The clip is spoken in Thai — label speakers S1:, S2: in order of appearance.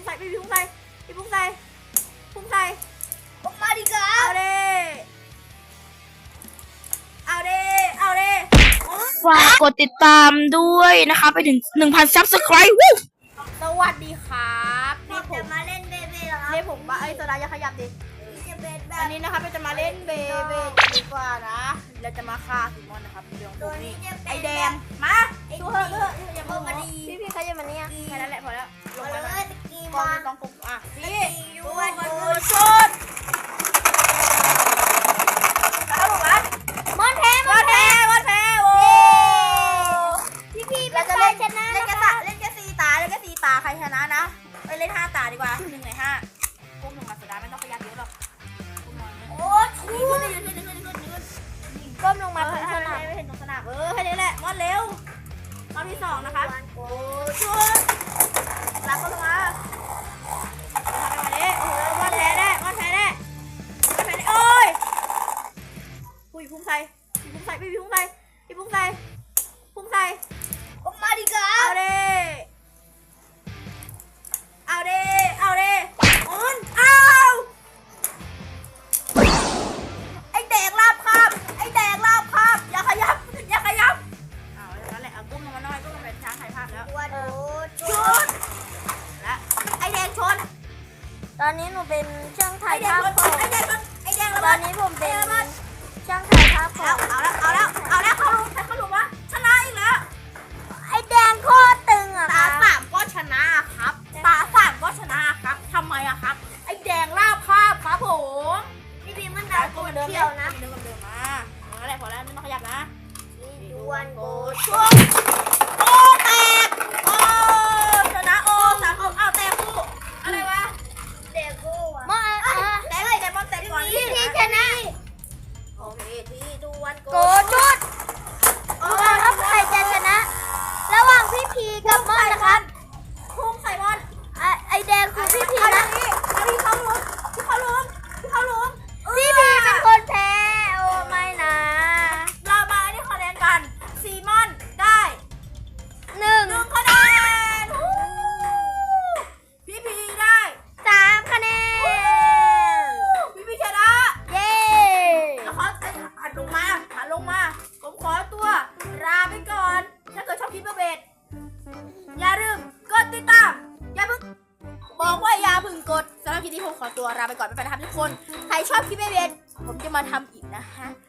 S1: ใส่พี่พุ่งใส่พี่พุ่งใส่พุ่งใส่
S2: ออกมาดิครับ
S1: เอาเด้เอาเด้เอาเด้
S3: ฝากกดติดตามด้วยนะคะไปถึง 1,000 Subscribe วู้
S1: สวัสดีครับ
S2: เรา
S1: นี่ผ
S2: จะ
S1: ม
S2: มาเล่นเบเบ้เหรอครับ
S1: นี่ผมว่าไอ้โซดาอย่าขยับดิ
S2: จะเป็นแบ
S1: อั
S2: บ
S1: นนี้นะครับเราจะมาเล่นเบเบ้ดีกว่านะเราจะมาฆ่าซิมอนนะครับเรื่องพวกนี้ไอแดงมาดูเถอะอย่า
S2: โอ้
S1: เพิ่ง
S2: มา
S1: มา
S2: ดี
S1: ดีพี่ใครจะมาเนี่ยแค่นั้นแหละพอแล้วลง
S2: มา
S1: ไป
S2: เล
S1: เลย
S2: ยกี
S1: กอง
S2: มา
S1: ต้องกุกอ่ะพี่
S2: ยู
S1: ดู
S2: วัน
S1: มัน
S2: โก
S1: ดูชุดเอาหรอวะ
S2: มอนแพ้
S1: วันแพ้โว้
S2: พี่
S1: เรา
S2: เป็น
S1: จะ
S2: ใคร
S1: เล่น
S2: ชนะ
S1: เล่น
S2: นะ
S1: แค่
S2: ค
S1: ตา
S2: รับ
S1: เล่นแค่4 ตาเล่นแค่4 ตาใครชนะนะไปเล่น5 ตาดีกว่า1 ใน 5ก้มลงมาโซดาไม่ต้องขยับเยอะหรอกก้มลงมา
S2: โอ้ชู
S1: ขึ้นก้มลงมาถึงขนาดไม่เห็นตรงสนามแค่นี้แหละมอนเร็วรอบที่2นะคะ
S2: วันโก
S1: ชุดรับก็ลงมาทำแบบนี้โอ้โหมอนแพ้แน่มอนแพ้แน่โอ้ยผู้หญิงพุ่งใส่พี่พุ่งใส่พี่พุ่งใส่พี่พุ่งใส่พุ่งใส่
S2: ออกมาดิครั
S1: เอา
S2: บ
S1: เด้เอาเด้เอาเด้อุ่นเอาไอแดงลาบคาบไอแดงลาบคาบอย่าขยับอย่าขยับเอาอย่างนั้นแหละเอากุ้มลงมาหน่อยกุ้มลงไปช้างถ่ายภาพแล้ว
S2: วันโก
S1: ชุดและไอแดงชน
S2: ตอนนี้หนูเป็นช่าง
S1: ไอ
S2: ถ่าย
S1: แดง
S2: ภาพ
S1: ชนไอแดงชนไอแดงระ
S2: ต
S1: เบิ
S2: อ
S1: ด
S2: นนี้ผมเป็น
S1: ระเบิด
S2: ช่างถ่ายภาพขอ
S1: เอา
S2: ง
S1: แล้วเอาแล้วเอาแล้วเขาลุมใครเขาลุมวะชนะอีกแล้ว
S2: ไอ้แดงโคตรตึงอะค
S1: ตา
S2: รับ
S1: 3ก็ชนะครับตา3ก็ชนะครับทำไมอะครับไอแดงลาบคาบครับผม
S2: พี่พีมันดาวโก
S1: เหมือนเดิม
S2: เที่ยวนะ
S1: เดิมกับเดิมมานั่นแหละพอแล้วไม่ต้องขยับนะ
S2: ดูวันโก
S1: ช่วงโอ้แตกโอ้ชนะโอ้3 คนเอาแตกคู่อะไรวะ
S2: เด็กโก้อะ
S1: มอนแตกแต่มอนแตกก่อน
S2: พี่ชนะ
S1: โอเคที่ดูวันโก
S2: โกชุดดูกันครับใครจะชนะ ระหว่างพี่พีกับมอนนะครับ
S1: พุ่งใส่บอล
S2: ไอแดงคือพี่พี
S1: เอา
S2: นะ
S1: ที่เขาลุ้มที่เขาลุ้มที่เขาลุ้ม
S2: พี่พีเป็นคนแพ้โอ้ไม่นะ
S1: เรามาที่คะแนนกันซีมอนได้
S2: หนึ่ง
S1: 1 คะแนนพี่พีได้
S2: 3 คะแนน
S1: พี่พีชนะ
S2: เย้
S1: แล้วขอหันลงมาผมขอตัวลาไปก่อนถ้าเกิดชอบคลิปเบสอย่าลืมกดติดตามอย่าเพิ่งบอกว่าอย่าเพิ่งกดสำหรับคลิปนี้ผมขอตัวลาไปก่อนไปนะครับทุกคนใครชอบคลิปเบสผมจะมาทำอีกนะฮะ